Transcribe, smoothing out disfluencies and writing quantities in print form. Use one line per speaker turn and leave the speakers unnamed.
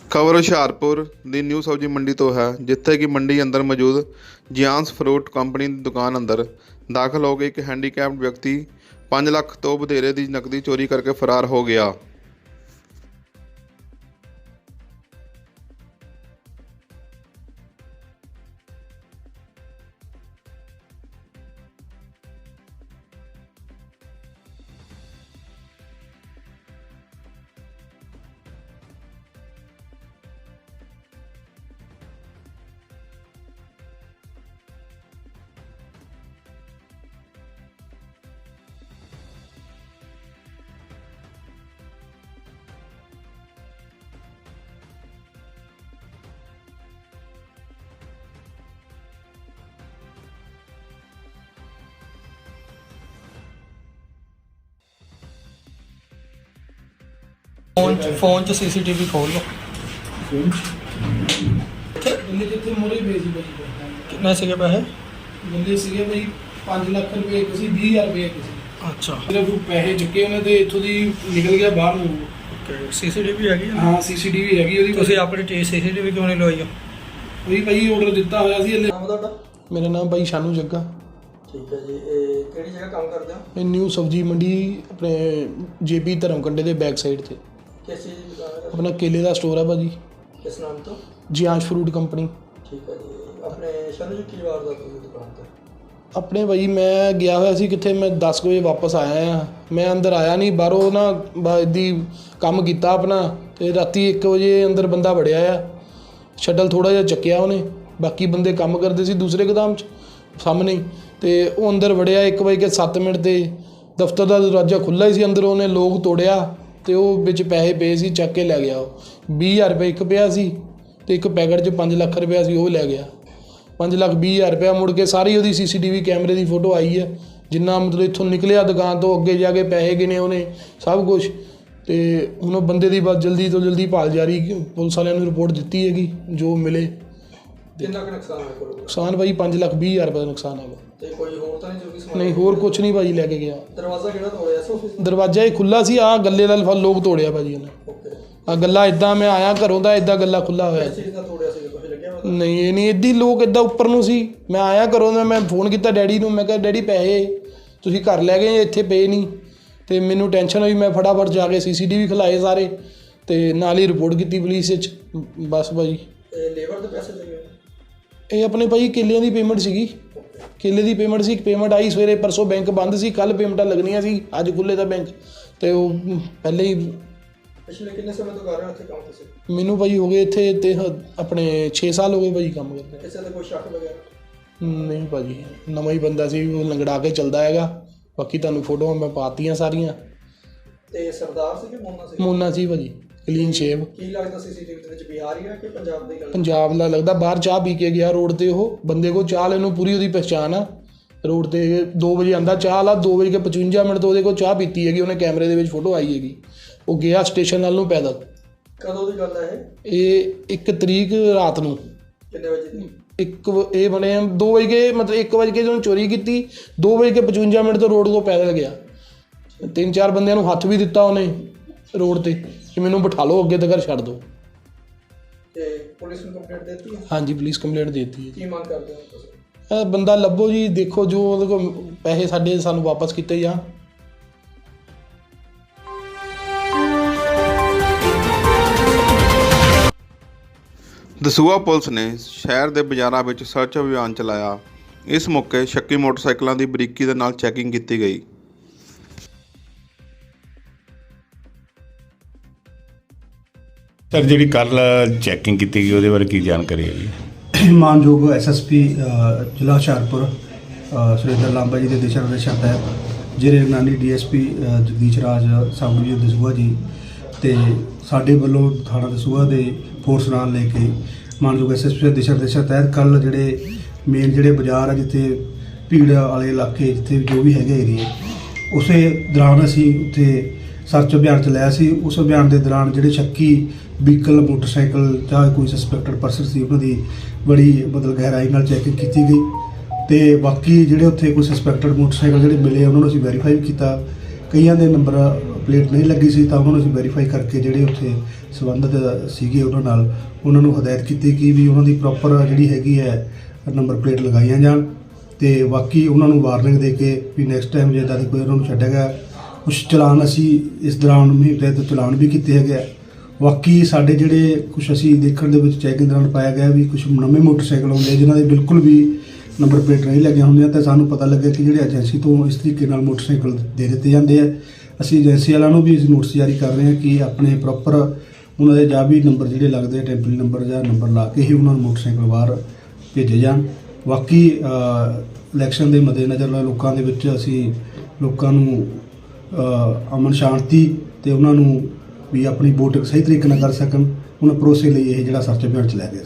ਖਬਰ ਹੁਸ਼ਿਆਰਪੁਰ ਦੀ ਨਿਊ ਸਬਜ਼ੀ ਮੰਡੀ ਤੋਂ ਹੈ, ਜਿੱਥੇ ਕਿ ਮੰਡੀ ਅੰਦਰ ਮੌਜੂਦ ਜਿਆਂਸ ਫਰੂਟ ਕੰਪਨੀ ਦੀ ਦੁਕਾਨ ਅੰਦਰ ਦਾਖਲ ਹੋ ਕੇ ਇੱਕ ਹੈਂਡੀਕੈਪਡ ਵਿਅਕਤੀ 5 ਲੱਖ ਤੋਂ ਵਧੇਰੇ ਦੀ ਨਕਦੀ ਚੋਰੀ ਕਰਕੇ ਫਰਾਰ ਹੋ ਗਿਆ।
फोन च CCTV खोल लो।
ਜਿੱਥੇ ਮੋਰੇ ਵੇਚੀ ਬਈ
कितने से पैसे?
ਬੰਦੇ ਸੀਗੇ ਬਈ 5 ਲੱਖ ਰੁਪਏ ਇੱਕ ਸੀ 20000 ਰੁਪਏ ਇੱਕ ਸੀ।
अच्छा
ਸਿਰਫ ਪੈਸੇ ਚੁੱਕੇ ਉਹਨੇ ਤੇ ਇੱਥੋਂ ਦੀ ਨਿਕਲ ਗਿਆ ਬਾਹਰ ਨੂੰ।
CCTV हैगी है?
ਹਾਂ CCTV ਹੈਗੀ ਉਹਦੀ।
ਤੁਸੀਂ ਆਪਣੀ CCTV ਕਿਉਂ ਨਹੀਂ ਲਵਾਈ?
ਉਹੀ ਭਾਈ ਆਰਡਰ ਦਿੱਤਾ ਹੋਇਆ ਸੀ।
ਨਾਮ ਤੁਹਾਡਾ?
ਮੇਰਾ ਨਾਮ ਭਾਈ ਸ਼ਾਨੂ ਜੱਗਾ।
ਠੀਕ ਹੈ ਜੀ। ਇਹ ਕਿਹੜੀ ਜਗ੍ਹਾ ਕੰਮ ਕਰਦੇ ਹੋ?
ਇਹ ਨਿਊ ਸਬਜ਼ੀ ਮੰਡੀ ਆਪਣੇ JP ਧਰਮਕੰਡੇ ਦੇ ਬੈਕ ਸਾਈਡ ਤੇ
ਕਿਸ ਚੀਜ਼ ਦੀ ਦੁਕਾਨ ਹੈ?
ਆਪਣਾ ਕੇਲੇ ਦਾ ਸਟੋਰ ਆ ਭਾਜੀ,
ਕਿਸ ਨਾਮ ਤੋਂ?
ਜਿਆਂਸ਼ ਫਰੂਟ ਕੰਪਨੀ।
ਠੀਕ ਹੈ ਜੀ। ਆਪਣੇ ਸ਼ਾਨੂ ਜੀ ਕੀ ਵਾਰਦਾਤ ਹੋਈ ਦੁਕਾਨ ਤੇ?
ਆਪਣੇ ਭਾਈ ਮੈਂ ਗਿਆ ਹੋਇਆ ਸੀ ਕਿੱਥੇ, ਮੈਂ 10 ਵਜੇ ਵਾਪਸ ਆਇਆ ਆ। ਮੈਂ ਅੰਦਰ ਆਇਆ ਨਹੀਂ, ਬਾਹਰੋਂ ਨਾ ਇੱਦੀ ਕੰਮ ਕੀਤਾ ਆਪਣਾ, ਤੇ ਰਾਤੀ 1 ਵਜੇ ਅੰਦਰ ਬੰਦਾ ਵੜਿਆ ਆ। ਸ਼ਟਲ ਥੋੜਾ ਜਿਹਾ ਚੱਕਿਆ ਉਹਨੇ, ਬਾਕੀ ਬੰਦੇ ਕੰਮ ਕਰਦੇ ਸੀ ਦੂਸਰੇ ਗੋਦਾਮ 'ਚ ਸਾਹਮਣੇ, ਤੇ ਉਹ ਅੰਦਰ ਵੜਿਆ 1:07 ਤੇ ਦਫ਼ਤਰ ਦਾ ਦਰਵਾਜ਼ਾ ਖੁੱਲ੍ਹਾ ਹੀ ਸੀ। ਅੰਦਰ ਉਹਨੇ ਲੋਕ ਤੋੜਿਆ ਤੇ ਉਹ ਵਿੱਚ ਪੈਸੇ ਪਏ ਸੀ, ਚੱਕ ਕੇ ਲੈ ਗਿਆ। ਉਹ 20000 ਰੁਪਏ ਇੱਕ ਪਿਆ ਸੀ ਤੇ ਇੱਕ ਪੈਕਟ 'ਚ 5 ਲੱਖ ਰੁਪਇਆ ਸੀ, ਉਹ ਲੈ ਗਿਆ। 5,20,000 ਰੁਪਇਆ ਮੁੜ ਕੇ ਸਾਰੀ ਉਹਦੀ CCTV ਕੈਮਰੇ ਦੀ ਫੋਟੋ ਆਈ ਹੈ, ਜਿੰਨਾ ਮਤਲਬ ਇੱਥੋਂ ਨਿਕਲਿਆ ਦੁਕਾਨ ਤੋਂ ਅੱਗੇ ਜਾ ਕੇ ਪੈਸੇ ਗਿਣੇ ਉਹਨੇ ਸਭ ਕੁਛ। ਤੇ ਹੁਣ ਉਹ ਬੰਦੇ ਦੀ ਬਸ ਜਲਦੀ ਤੋਂ ਜਲਦੀ ਭਾਲ ਜਾਰੀ, ਪੁਲਿਸ ਵਾਲਿਆਂ ਨੂੰ ਰਿਪੋਰਟ ਦਿੱਤੀ ਹੈਗੀ ਜੋ ਮਿਲੇ।
ਕਿੰਨਾ ਕੁ ਨੁਕਸਾਨ ਹੋਇਆ ਕੋਲ?
ਨੁਕਸਾਨ ਭਾਈ 5,20,000 ਰੁਪਏ ਦਾ ਨੁਕਸਾਨ ਹੈਗਾ।
ਤੇ ਕੋਈ ਹੋਰ ਤਾਂ ਨਹੀਂ ਜੋ ਕਿ ਸਮਾਨ?
ਨਹੀਂ, ਹੋਰ ਕੁਛ ਨਹੀਂ ਭਾਜੀ ਲੈ ਕੇ ਗਿਆ।
ਦਰਵਾਜ਼ਾ ਕਿਹੜਾ ਤੋੜਿਆ ਸੀ ਆਫਿਸ ਦਾ?
ਦਰਵਾਜ਼ਾ ਹੀ ਖੁੱਲ੍ਹਾ ਸੀ, ਆਹ ਗੱਲੇ ਦਾ ਲੋਕ ਤੋੜਿਆ ਭਾਜੀ ਉਹਨੇ।
ਓਕੇ।
ਆਹ ਗੱਲਾ ਇੱਦਾਂ ਮੈਂ ਆਇਆ ਘਰੋਂ ਦਾ, ਇੱਦਾਂ ਗੱਲਾ ਖੁੱਲ੍ਹਾ ਹੋਇਆ।
ਕਿਸ ਚੀਜ਼ ਦਾ ਤੋੜਿਆ ਸੀ? ਕੁਝ ਲੱਗਿਆ ਪਤਾ?
ਨਹੀਂ, ਇਹ ਨਹੀਂ, ਇੱਦੀ ਲੋਕ ਇੱਦਾਂ ਉੱਪਰ ਨੂੰ ਸੀ। ਮੈਂ ਆਇਆ ਘਰੋਂ ਦਾ, ਮੈਂ ਫੋਨ ਕੀਤਾ ਡੈਡੀ ਨੂੰ, ਮੈਂ ਕਿਹਾ ਡੈਡੀ ਪੈਸੇ ਤੁਸੀਂ ਘਰ ਲੈ ਗਏ, ਇੱਥੇ ਪਏ ਨਹੀਂ। ਤੇ ਮੈਨੂੰ ਟੈਨਸ਼ਨ ਹੋਈ, ਮੈਂ ਫਟਾਫਟ ਜਾ ਕੇ CCTV ਖਿਲਾਏ ਸਾਰੇ, ਤੇ ਨਾਲ ਹੀ ਰਿਪੋਰਟ ਕੀਤੀ ਪੁਲਿਸ ਵਿੱਚ। ਬਸ ਭਾਜੀ।
ਇਹ ਲੇਬਰ ਦੇ ਪੈਸੇ ਦੇ ਗਏ?
ਇਹ ਆਪਣੇ ਭਾਈ ਕੇਲਿਆਂ ਦੀ ਪੇਮੈਂਟ ਸੀਗੀ, ਕੇਲੇ ਦੀ ਪੇਮੈਂਟ ਸੀ। ਪੇਮੈਂਟ ਆਈ ਸਵੇਰੇ, ਪਰਸੋਂ ਬੈਂਕ ਬੰਦ ਸੀ, ਕੱਲ ਪੇਮੈਂਟਾਂ ਲੱਗਣੀਆਂ ਸੀ, ਅੱਜ ਖੁੱਲ੍ਹੇ ਦਾ ਬੈਂਕ। ਤੇ ਉਹ ਪਹਿਲੇ ਹੀ
ਪਿਛਲੇ ਕਿੰਨੇ ਸਮੇਂ ਤੋਂ ਕਰ ਰਹੇ ਹੋ ਇੱਥੇ ਕੰਮ ਤੁਸੀਂ?
ਮੈਨੂੰ ਭਾਈ ਹੋ ਗਏ ਇੱਥੇ ਤੇ ਆਪਣੇ 6 ਸਾਲ ਹੋ ਗਏ ਭਾਜੀ ਕੰਮ ਕਰਦੇ।
ਕਿਸੇ ਦਾ ਕੋਈ ਸ਼ੱਕ ਵਗੈਰਾ?
ਨਹੀਂ ਭਾਜੀ, ਨਵਾਂ ਹੀ ਬੰਦਾ ਸੀ, ਉਹ ਲੰਗੜਾ ਕੇ ਚੱਲਦਾ ਹੈਗਾ। ਬਾਕੀ ਤੁਹਾਨੂੰ ਫੋਟੋਆਂ ਮੈਂ ਪਾਤੀਆਂ ਸਾਰੀਆਂ।
ਤੇ ਸਰਦਾਰ ਸੀ ਕਿ ਮੋਨਾ ਸੀ?
ਮੋਨਾ ਸੀ ਭਾਜੀ, ਕਲੀਨ ਸ਼ੇਵ।
ਕੀ ਲੱਗਦਾ CCTV ਦੇ ਵਿੱਚ ਬਿਹਾਰੀ ਹੈ ਕਿ ਪੰਜਾਬ ਦੀ ਗੱਲ?
ਪੰਜਾਬ ਦਾ ਲੱਗਦਾ। ਬਾਹਰ ਚਾਹ ਪੀ ਕੇ ਗਿਆ ਰੋਡ ਤੇ, ਉਹ ਬੰਦੇ ਕੋਲ ਚਾਹ ਲੈਣ ਨੂੰ ਪੂਰੀ ਉਹਦੀ ਪਹਿਚਾਣ ਆ। ਰੋਡ ਤੇ 2 ਵਜੇ ਆਂਦਾ ਚਾਹ ਵਾਲਾ, 2:55 ਤੋਂ ਉਹਦੇ ਕੋਲ ਚਾਹ ਪੀਤੀ ਹੈਗੀ ਉਹਨੇ, ਕੈਮਰੇ ਦੇ ਵਿੱਚ ਫੋਟੋ ਆਈ ਹੈਗੀ। ਉਹ ਗਿਆ ਸਟੇਸ਼ਨ ਨਾਲ ਨੂੰ ਪੈਦਲ।
ਕਦੋਂ ਦੀ ਗੱਲ ਹੈ
ਇਹ 1 ਤਰੀਕ ਰਾਤ ਨੂੰ।
ਕਿੰਨੇ ਵਜੇ ਦੀ?
ਇਹ ਬਣੇ 2 ਵਜੇ, ਮਤਲਬ 1 ਵਜੇ ਜਦੋਂ ਚੋਰੀ ਕੀਤੀ, 2:55 ਤੋਂ ਰੋਡ ਤੋਂ ਪੈਦਲ ਗਿਆ। 3-4 ਬੰਦਿਆਂ ਨੂੰ ਹੱਥ ਵੀ ਦਿੱਤਾ ਉਹਨੇ ਰੋਡ ਤੇ ਕਿ ਮੈਨੂੰ ਬਿਠਾ ਲਓ, ਅੱਗੇ ਤੱਕ ਛੱਡ ਦਿਓ।
ਤੇ ਪੁਲਿਸ ਨੂੰ ਕੰਪਲੇਂਟ ਦੇ ਦਿੱਤੀ?
ਹਾਂਜੀ, ਪੁਲਿਸ ਕੰਪਲੇਂਟ ਦੇ ਦਿੱਤੀ ਹੈ।
ਕੀ ਮੰਗ ਕਰਦੇ ਹੋ ਤੁਸੀਂ?
ਇਹ ਬੰਦਾ ਲੱਭੋ ਜੀ, ਦੇਖੋ ਜੋ ਉਹਦੇ ਕੋਲ ਪੈਸੇ ਸਾਡੇ ਸਾਨੂੰ ਵਾਪਸ ਕੀਤੇ ਜਾਣ।
ਦਸੂਹਾ ਪੁਲਿਸ ਨੇ ਸ਼ਹਿਰ ਦੇ ਬਾਜ਼ਾਰਾਂ ਵਿੱਚ ਸਰਚ ਅਭਿਆਨ ਚਲਾਇਆ। ਇਸ ਮੌਕੇ ਸ਼ੱਕੀ ਮੋਟਰਸਾਈਕਲਾਂ ਦੀ ਬਰੀਕੀ ਦੇ ਨਾਲ ਚੈਕਿੰਗ ਕੀਤੀ ਗਈ।
ਸਰ, ਜਿਹੜੀ ਕੱਲ ਚੈਕਿੰਗ ਕੀਤੀ ਗਈ ਉਹਦੇ ਬਾਰੇ ਕੀ ਜਾਣਕਾਰੀ ਹੈ ਜੀ?
ਮਾਨਯੋਗ SSP ਜ਼ਿਲ੍ਹਾ ਹੁਸ਼ਿਆਰਪੁਰ ਸੁਰਿੰਦਰ ਲਾਂਬਾ ਜੀ ਦੇ ਦਿਸ਼ਾ ਨਿਰਦੇਸ਼ਾਂ ਤਹਿਤ ਜਿਹੜੇ ਨਿਗਰਾਨੀ DSP Jagdish Raj sub division Dasuya ji ਤੇ ਸਾਡੇ ਵੱਲੋਂ ਥਾਣਾ ਦਸੂਹਾ ਦੇ ਫੋਰਸ ਨਾਲ ਲੈ ਕੇ ਮਾਨਯੋਗ SSP ਦੇ ਦਿਸ਼ਾ ਨਿਰਦੇਸ਼ਾਂ ਤਹਿਤ ਕੱਲ ਜਿਹੜੇ ਮੇਨ ਜਿਹੜੇ ਬਾਜ਼ਾਰ ਆ, ਜਿੱਥੇ ਭੀੜ ਵਾਲੇ ਇਲਾਕੇ, ਜਿੱਥੇ ਜੋ ਵੀ ਹੈਗੇ ਏਰੀਏ, ਉਸੇ ਦੌਰਾਨ ਅਸੀਂ ਉੱਥੇ ਸਰਚ ਅਭਿਆਨ ਚਲਾਇਆ ਸੀ। ਉਸ ਅਭਿਆਨ ਦੇ ਦੌਰਾਨ ਜਿਹੜੇ ਸ਼ੱਕੀ ਵਹੀਕਲ, ਮੋਟਰਸਾਈਕਲ ਜਾਂ ਕੋਈ ਸਸਪੈਕਟਡ ਪਰਸਨ ਸੀ, ਉਹਨਾਂ ਦੀ ਬੜੀ ਮਤਲਬ ਗਹਿਰਾਈ ਨਾਲ ਚੈਕਿੰਗ ਕੀਤੀ ਗਈ। ਤੇ ਬਾਕੀ ਜਿਹੜੇ ਉੱਥੇ ਕੋਈ ਸਸਪੈਕਟਡ ਮੋਟਰਸਾਈਕਲ ਜਿਹੜੇ ਮਿਲੇ, ਉਹਨਾਂ ਨੂੰ ਅਸੀਂ ਵੈਰੀਫਾਈ ਕੀਤਾ। ਕਈਆਂ ਦੇ ਨੰਬਰ ਪਲੇਟ ਨਹੀਂ ਲੱਗੀ ਸੀ ਤਾਂ ਉਹਨਾਂ ਨੂੰ ਅਸੀਂ ਵੈਰੀਫਾਈ ਕਰਕੇ ਜਿਹੜੇ ਉੱਥੇ ਸੰਬੰਧਿਤ ਸੀਗੇ ਉਹਨਾਂ ਨੂੰ ਹਦਾਇਤ ਕੀਤੀ ਕਿ ਵੀ ਉਹਨਾਂ ਦੀ ਪ੍ਰੋਪਰ ਜਿਹੜੀ ਹੈਗੀ ਹੈ ਨੰਬਰ ਪਲੇਟ ਲਗਾਈਆਂ ਜਾਣ ਤੇ ਬਾਕੀ ਉਹਨਾਂ ਨੂੰ ਵਾਰਨਿੰਗ ਦੇ ਕੇ ਵੀ ਨੈਕਸਟ ਟਾਈਮ ਜੇ ਇੱਦਾਂ ਦੀ ਕੋਈ ਉਹਨਾਂ ਨੂੰ ਛੱਡਿਆ ਗਿਆ ਕੁਛ ਚਲਾਨ ਅਸੀਂ ਇਸ ਦੌਰਾਨ ਮੁਹਿੰਮ ਤਹਿਤ ਚਲਾਨ ਵੀ ਕੀਤੇ ਹੈਗੇ ਆ। ਬਾਕੀ ਸਾਡੇ ਜਿਹੜੇ ਕੁਛ ਅਸੀਂ ਦੇਖਣ ਦੇ ਵਿੱਚ ਚੈਕਿੰਗ ਦੌਰਾਨ ਪਾਇਆ ਗਿਆ ਵੀ ਕੁਛ ਨਵੇਂ ਮੋਟਰਸਾਈਕਲ ਆਉਂਦੇ ਜਿਨ੍ਹਾਂ ਦੇ ਬਿਲਕੁਲ ਵੀ ਨੰਬਰ ਪਲੇਟ ਨਹੀਂ ਲੱਗੀਆਂ ਹੁੰਦੀਆਂ ਤਾਂ ਸਾਨੂੰ ਪਤਾ ਲੱਗਿਆ ਕਿ ਜਿਹੜੇ ਏਜੰਸੀ ਤੋਂ ਇਸ ਤਰੀਕੇ ਨਾਲ ਮੋਟਰਸਾਈਕਲ ਦੇ ਦਿੱਤੇ ਜਾਂਦੇ ਆ। ਅਸੀਂ ਏਜੰਸੀ ਵਾਲਿਆਂ ਨੂੰ ਵੀ ਨੋਟਿਸ ਜਾਰੀ ਕਰ ਰਹੇ ਹਾਂ ਕਿ ਆਪਣੇ ਪ੍ਰੋਪਰ ਉਹਨਾਂ ਦੇ ਜਾਂ ਵੀ ਨੰਬਰ ਜਿਹੜੇ ਲੱਗਦੇ ਆ ਟੈਂਪਰੇਰੀ ਨੰਬਰ ਜਾਂ ਨੰਬਰ ਲਾ ਕੇ ਹੀ ਉਹਨਾਂ ਨੂੰ ਮੋਟਰਸਾਈਕਲ ਬਾਹਰ ਭੇਜੇ ਜਾਣ। ਬਾਕੀ ਇਲੈਕਸ਼ਨ ਦੇ ਮੱਦੇਨਜ਼ਰ ਲੋਕਾਂ ਦੇ ਵਿੱਚ ਅਸੀਂ ਲੋਕਾਂ ਨੂੰ ਅਮਨ ਸ਼ਾਂਤੀ ਤੇ ਉਹਨਾਂ ਨੂੰ ਵੀ ਆਪਣੀ ਵੋਟ ਸਹੀ ਤਰੀਕੇ ਨਾਲ ਕਰ ਸਕਣ ਉਹਨਾਂ ਭਰੋਸੇ ਲਈ ਇਹ ਜਿਹੜਾ ਸਰਚ ਅਭਿਆਨ ਚਲਾਇਆ ਗਿਆ।